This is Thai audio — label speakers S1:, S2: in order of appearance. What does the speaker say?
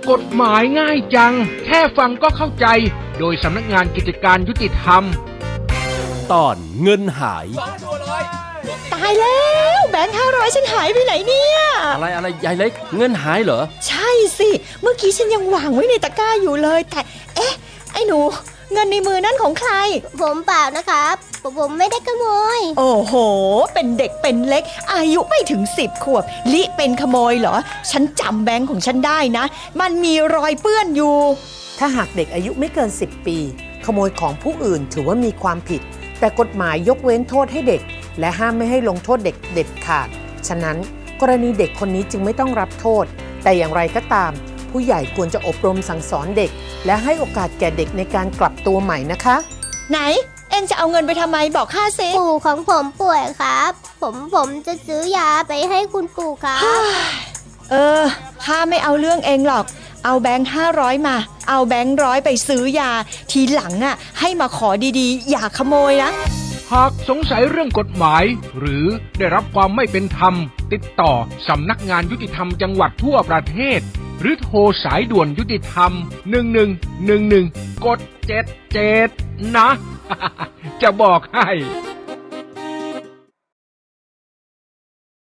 S1: กฎหมายง่ายจังแค่ฟังก็เข้าใจโดยสำนักงานกิจการยุติธรรม
S2: ตอนเงินหาย
S3: ตายแล้วแบงค์500ฉันหายไปไหนเนี่ย
S2: อะไรยายเล็กเงินหายเหรอ
S3: ใช่สิเมื่อกี้ฉันยังวางไว้ในตะกร้าอยู่เลยแต่เอ๊ะไอ้หนูเงินในมือนั่นของใคร
S4: ผมเปล่านะครับผมไม่ได้ขโมย
S3: โอ้โหเป็นเด็กเป็นเล็กอายุไม่ถึง10 ขวบลิเป็นขโมยเหรอฉันจำแบงค์ของฉันได้นะมันมีรอยเปื้อนอยู่
S5: ถ้าหากเด็กอายุไม่เกิน10 ปีขโมยของผู้อื่นถือว่ามีความผิดแต่กฎหมายยกเว้นโทษให้เด็กและห้ามไม่ให้ลงโทษเด็กเด็ดขาดฉะนั้นกรณีเด็กคนนี้จึงไม่ต้องรับโทษแต่อย่างไรก็ตามผู้ใหญ่ควรจะอบรมสั่งสอนเด็กและให้โอกาสแก่เด็กในการกลับตัวใหม่นะคะ
S3: ไหนเอ็งจะเอาเงินไปทำไมบอกข้าสิ
S4: ปู่ของผมป่วยครับผมจะซื้อยาไปให้คุณปู่ครับ
S3: ข้าไม่เอาเรื่องเองหรอกเอาแบงค์500มาเอาแบงค์100ไปซื้อยาทีหลังอ่ะให้มาขอดีๆอย่าขโมยนะ
S1: หากสงสัยเรื่องกฎหมายหรือได้รับความไม่เป็นธรรมติดต่อสำนักงานยุติธรรมจังหวัดทั่วประเทศหรือโทรสายด่วนยุติธรรม1111กด77นะ จะบอกให้